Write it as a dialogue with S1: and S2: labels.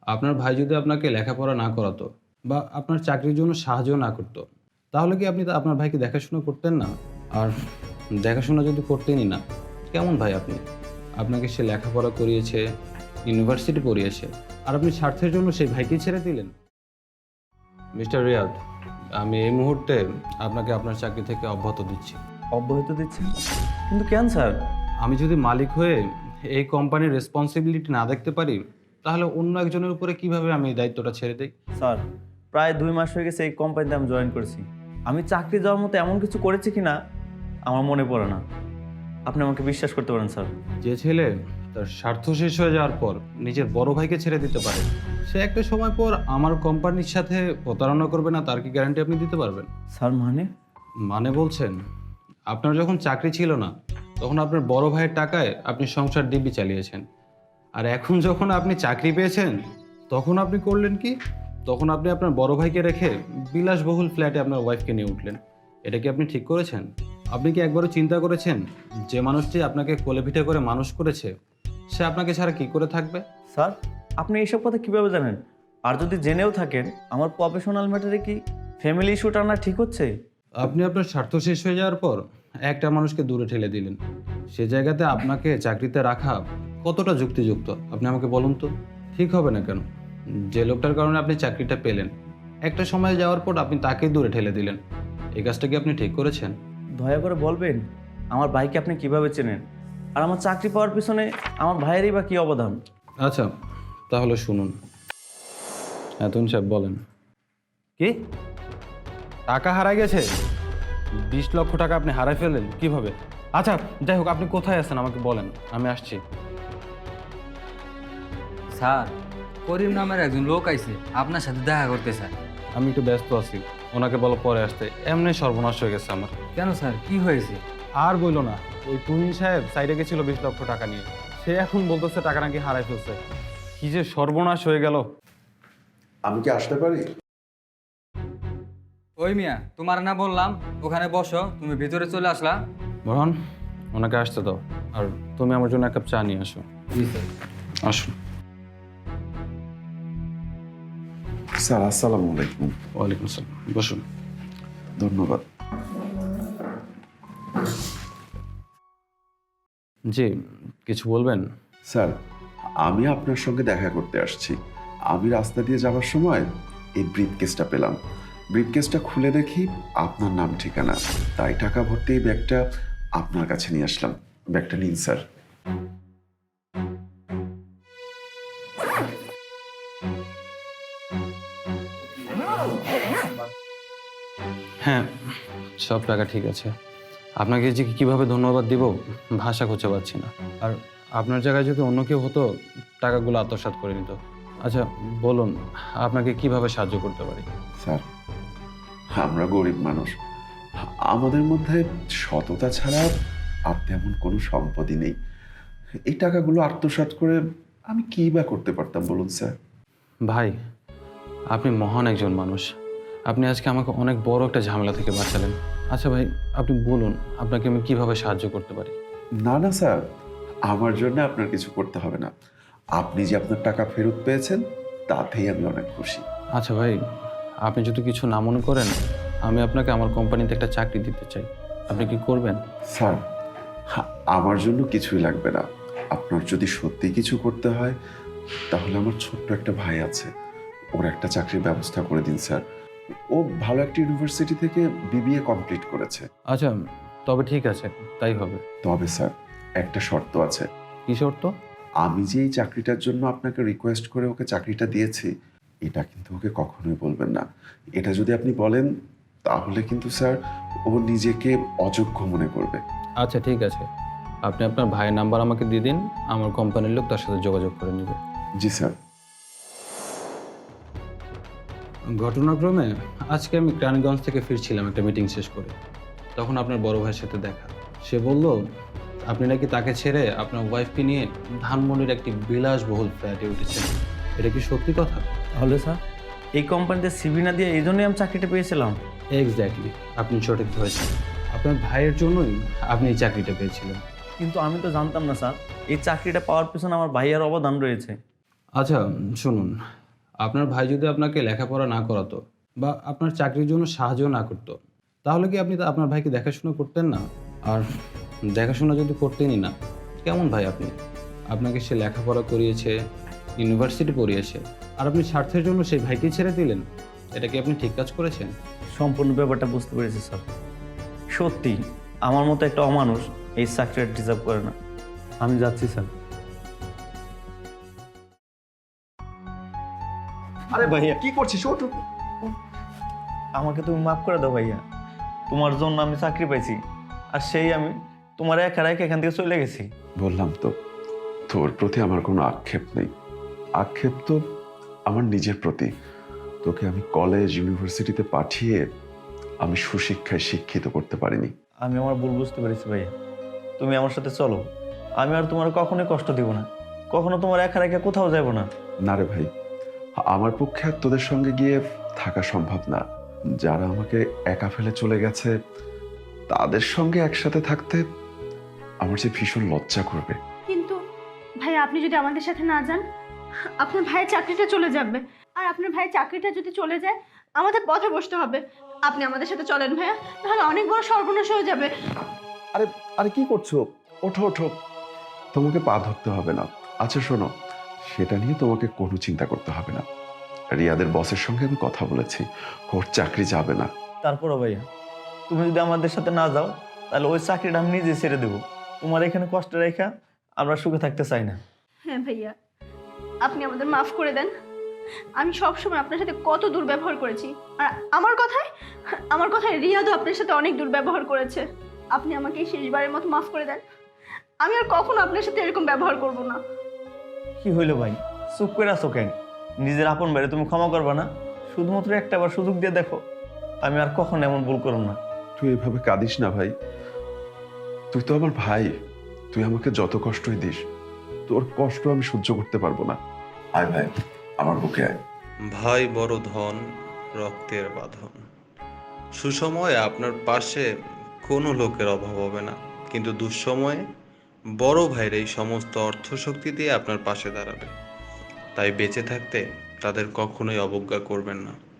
S1: আপনার ভাই যদি আপনাকে লেখাপড়া না করাতো বা আপনার চাকরির জন্য সাহায্য না করতো, তাহলে কি আপনি আপনার ভাইকে দেখাশোনা করতেন না? আর দেখাশোনা যদি করতেনই না, কেমন ভাই আপনি? আপনাকে সে লেখাপড়া করিয়েছে, ইউনিভার্সিটি পড়িয়েছে, আর আপনি স্বার্থের জন্য সেই ভাইকে ছেড়ে দিলেন। মিস্টার রিয়াদ, আমি এই মুহূর্তে আপনাকে আপনার চাকরি থেকে অব্যাহতি দিচ্ছি।
S2: অব্যাহতি দিচ্ছেন? কিন্তু কেন স্যার?
S1: আমি যদি মালিক হয়ে এই কোম্পানির রেসপন্সিবিলিটি না দেখতে পারি, তাহলে অন্য একজনের উপরে কিভাবে আমি এই দায়িত্বটা ছেড়ে দিই?
S2: স্যার, প্রায় 2 মাস হয়ে গেছে এই কোম্পানিতে আমি জয়েন করেছি। আমি চাকরি যাওয়ার মতো এমন কিছু করেছি কি না আমার মনে পড়ে না। আপনি আমাকে বিশ্বাস করতে পারেন স্যার।
S1: যে ছেলে তার স্বার্থ শেষ হয়ে যাওয়ার পর নিজের বড় ভাইকে ছেড়ে দিতে পারে, সে একটা সময় পর আমার কোম্পানির সাথে প্রতারণা করবে না, তার কি গ্যারান্টি আপনি দিতে পারবেন?
S2: স্যার মানে?
S1: মানে বলছেন, আপনার যখন চাকরি ছিল না তখন আপনার বড় ভাইয়ের টাকায় আপনি সংসার দিব্যি চালিয়েছেন, আর এখন যখন আপনি চাকরি পেয়েছেন তখন আপনি করলেন কি? তখন আপনি আপনার বড় ভাইকে রেখে বিলাসবহুল ফ্ল্যাটে আপনার ওয়াইফকে নিয়ে উঠলেন। এটা কি আপনি ঠিক করেছেন? আপনি কি একবারও চিন্তা করেছেন যে মানুষটি আপনাকে কোলে পিঠে করে মানুষ করেছে, সে আপনাকে ছাড়া কি করে থাকবে?
S2: স্যার, আপনি এইসব কথা কিভাবে জানেন? আর যদি জেনেও থাকেন, আমার প্রফেশনাল ম্যাটারে কি ফ্যামিলি ইস্যুটা আনা ঠিক হচ্ছে?
S1: আপনি আপনার স্বার্থ শেষ হয়ে যাওয়ার পর একটা মানুষকে দূরে ঠেলে দিলেন। সে জায়গাতে আপনাকে চাকরিতে রাখা কতটা যুক্তিযুক্ত আপনি আমাকে বলুন তো? ঠিক হবে না কেন? যে লোকটার কারণে আপনি চাকরিটা পেলেন, একটা সময় যাওয়ার পর আপনি তাকেই দূরে ঠেলে দিলেন। এই কাজটা কি আপনি ঠিক করেছেন?
S2: দয়া করে বলবেন আমার ভাইকে আপনি কিভাবে চেনেন? আর আমার চাকরি পাওয়ার পিছনে আমার ভাইয়েরই বা কী অবদান?
S1: আচ্ছা, তাহলে শুনুন। তুন সাহেব বলেন। কি? টাকা হারাই গেছে? 20 লক্ষ টাকা আপনি হারাই ফেললেন কিভাবে? আচ্ছা, যাই হোক, আপনি কোথায় আছেন আমাকে বলেন, আমি আসছি।
S3: স্যার, করিম নামের একজন লোক আইছে আপনার সাথে দেখা করতে স্যার।
S1: আমি একটু ব্যস্ত আছি, ওনাকে বলো পরে আসতে। এমনি সর্বনাশ হয়ে গেছে আমার।
S3: কেন স্যার, কি হয়েছে?
S1: আর বইলো না, ওই তুহিন সাহেব সাইডে গেছিল 20 লক্ষ টাকা নিয়ে। সে এখন বলতেছে টাকা নাকি হারাই ফেলছে। কি যে সর্বনাশ হয়ে গেল।
S4: আমি কি আসতে পারি?
S3: ওই মিয়া, তোমার না বললাম ওখানে বসো, তুমি ভিতরে চলে আসলা।
S1: বরণ, ওনাকে আসতে দাও, আর তুমি আমার জন্য 1 কাপ চা নিয়ে আসো।
S3: জি স্যার।
S1: আসো।
S4: স্যার, আসসালামু আলাইকুম।
S1: ওয়ালাইকুম আসসালাম, বসুন।
S4: ধন্যবাদ।
S1: জি, কিছু বলবেন?
S4: স্যার, আমি আপনার সঙ্গে দেখা করতে আসছি। আমি রাস্তা দিয়ে যাওয়ার সময় এই ব্রিফকেসটা পেলাম। ব্রিফকেসটা খুলে দেখি আপনার নাম ঠিকানা, তাই টাকা ভর্তি এই ব্যাগটা আপনার কাছে নিয়ে আসলাম। ব্যাগটা নিন স্যার।
S1: হ্যাঁ, সব টাকা ঠিক আছে। আপনাকে যে কিভাবে ধন্যবাদ দিব ভাষা খুঁজে পাচ্ছি না। আর আপনার জায়গায় যদি অন্য কেউ হতো, টাকাগুলো আত্মসাৎ করে নিত। আচ্ছা বলুন, আপনাকে কিভাবে সাহায্য করতে পারি?
S4: স্যার, আমরা গরিব মানুষ, আমাদের মধ্যে সততা ছাড়া আর তেমন কোনো সম্পদই নেই। এই টাকাগুলো আত্মসাৎ করে আমি কী বা করতে পারতাম বলুন স্যার?
S1: ভাই, আপনি মহান একজন মানুষ। আপনি আজকে আমাকে অনেক বড় একটা ঝামেলা থেকে বাঁচালেন। আচ্ছা ভাই, আপনি বলুন আপনাকে আমি কিভাবে সাহায্য করতে পারি?
S4: না না স্যার, আমার জন্য আপনার কিছু করতে হবে না। আপনি যে আপনার টাকা ফেরত পেয়েছেন তাতেই আমি অনেক খুশি।
S1: আচ্ছা ভাই, আপনি যদি কিছু না মনে করেন, আমি আপনাকে আমার কোম্পানিতে একটা চাকরি দিতে চাই। আপনি কি করবেন?
S4: স্যার, আমার জন্য কিছুই লাগবে না। আপনার যদি সত্যি কিছু করতে হয় তাহলে আমার ছোট্ট একটা ভাই আছে, ওর একটা চাকরির ব্যবস্থা করে দিন স্যার। ও ভালো একটা ইউনিভার্সিটি থেকে বিবিএ কমপ্লিট করেছে।
S1: আচ্ছা, তবে ঠিক আছে, তাই হবে।
S4: তবে স্যার, একটা শর্ত আছে।
S1: কি শর্ত?
S4: আমি যে এই চাকরিটার জন্য আপনাকে রিকোয়েস্ট করে ওকে চাকরিটা দিয়েছি, এটা কিন্তু ওকে কখনোই বলবেন না। এটা যদি আপনি বলেন তাহলে কিন্তু স্যার ও নিজেকে অযোগ্য মনে করবে।
S1: আচ্ছা ঠিক আছে, আপনি আপনার ভাইয়ের নাম্বার আমাকে দিয়ে দিন, আমার কোম্পানির লোক তার সাথে যোগাযোগ করে নেবে।
S4: জি স্যার।
S1: ঘটনাক্রমে আজকে আমি ক্রানীগঞ্জ থেকে ফিরছিলাম একটা মিটিং শেষ করে। তখন আপনার বড় ভাইয়ের সাথে দেখা। সে বলল আপনি নাকি তাকে ছেড়ে আপনার ওয়াইফকে নিয়ে ধানমন্ডির একটি বিলাসবহুল ফ্ল্যাটে উঠেছেন। এটা কি সত্যি কথা?
S2: তাহলে স্যার, এই কোম্পানিতে সিভি না দিয়ে এই জন্যই আমি চাকরিটা পেয়েছিলাম।
S1: এক্স্যাক্টলি, আপনি সঠিক ধরেছেন। আপনার ভাইয়ের জন্যই আপনি এই চাকরিটা পেয়েছিলেন।
S2: কিন্তু আমি তো জানতাম না স্যার এই চাকরিটা পাওয়ার পিছনে আমার ভাইয়ের অবদান রয়েছে।
S1: আচ্ছা শুনুন, আপনার ভাই যদি আপনাকে লেখাপড়া না করাতো বা আপনার চাকরির জন্য সাহায্য না করতো, তাহলে কি আপনি আপনার ভাইকে দেখাশোনা করতেন না? আর দেখাশোনা যদি করতেনই না, কেমন ভাই আপনি? আপনাকে সে লেখাপড়া করিয়েছে, ইউনিভার্সিটি পড়িয়েছে, আর আপনি স্বার্থের জন্য সেই ভাইকে ছেড়ে দিলেন। এটা কি আপনি ঠিক কাজ করেছেন?
S2: সম্পূর্ণ ব্যাপারটা বুঝতে পেরেছি স্যার। সত্যি আমার মতো একটা অমানুষ এই চাকরিটা ডিজার্ভ করে না। আমি যাচ্ছি স্যার।
S5: আরে
S2: ভাইয়া।
S5: কি করছিস? ওঠ ওঠ।
S2: আমাকে তুমি মাফ করে দাও ভাইয়া। তোমার জন্য আমি চাকরি পাইছি, আর সেই আমি তোমার একা রেখে এখান থেকে চলে গেছি।
S4: বললাম তো, তোর প্রতি আমার কোনো আক্ষেপ নেই। আক্ষেপ তো আমার নিজের প্রতি। তোকে আমি কলেজ ইউনিভার্সিটিতে পাঠিয়ে আমি সুশিক্ষায় শিক্ষিত করতে পারিনি।
S2: আমি আমার ভুল বুঝতে পেরেছি ভাইয়া। তুমি আমার সাথে চলো, আমি আর তোমার কখনোই কষ্ট দিব না, কখনো তোমার একা রেখে কোথাও যাব না।
S4: না রে ভাই, আমার পক্ষে আর তোদের সঙ্গে গিয়ে থাকা সম্ভব না। যারা আমাকে একা ফেলে চলে গেছে, তাদের সঙ্গে একসাথে থাকতে আমার যে ভীষণ লজ্জা করবে।
S6: কিন্তু ভাই, আপনি যদি আমাদের সাথে না যান, আপনার ভাইয়ের চাকরিটা চলে যাবে। আর আপনার ভাইয়ের চাকরিটা যদি চলে যায়, আমাদের পথে বসতে হবে। আপনি আমাদের সাথে চলেন ভাইয়া, তাহলে অনেক বড় সর্বনাশ হয়ে যাবে।
S4: আরে আরে কি করছো? ওঠো ওঠো, তোমাকে পা ধরতে হবে না। আচ্ছা শোনো, সেটা নিয়ে তোমাকে কোনো চিন্তা করতে হবে না। রিয়াদের বসের সঙ্গে আমি কথা বলেছি, ওর চাকরি যাবে না।
S2: তারপরও ভাইয়া, তুমি যদি আমাদের সাথে না যাও, তাহলে ওই চাকরিটা আমি নিজে ছেড়ে দেবো। তোমার এখানে কষ্ট রেখা আমরা সুখে থাকতে চাই না।
S6: হ্যাঁ ভাইয়া, আপনি আমাদের মাফ করে দেন। আমি সব সময় আপনার সাথে কত দুর্ব্যবহার করেছি, আর আমার কথায় রিয়াদও আপনার সাথে অনেক দুর্ব্যবহার করেছে। আপনি আমাকে এই শেষবারের মতো মাফ করে দেন। আমি আর কখনো আপনার সাথে এরকম ব্যবহার করব না।
S2: কি হইলো ভাই, চুপ করে আছো কেন? নিজের আপন ভাইরে তুমি ক্ষমা করবা না? শুধুমাত্র একটা বার সুযোগ দিয়ে দেখো, আমি আর কখনো এমন ভুল করব না।
S4: তুই এভাবে কাঁদিস না ভাই, তুই তো আমার ভাই। তুই আমাকে যত কষ্টই দিস, তোর কষ্ট আমি সহ্য করতে পারবো না। আয় ভাই, আমার বুকে আয়।
S7: ভাই বড় ধন, রক্তের বাঁধন। সুসময়ে আপনার পাশে কোনো লোকের অভাব হবে না, কিন্তু দুঃসময়ে বড় ভাইয়ের এই সমস্ত অর্থশক্তি দিয়ে আপনার পাশে দাঁড়াবে। তাই বেঁচে থাকতে তাদের কখনোই অবজ্ঞা করবেন না।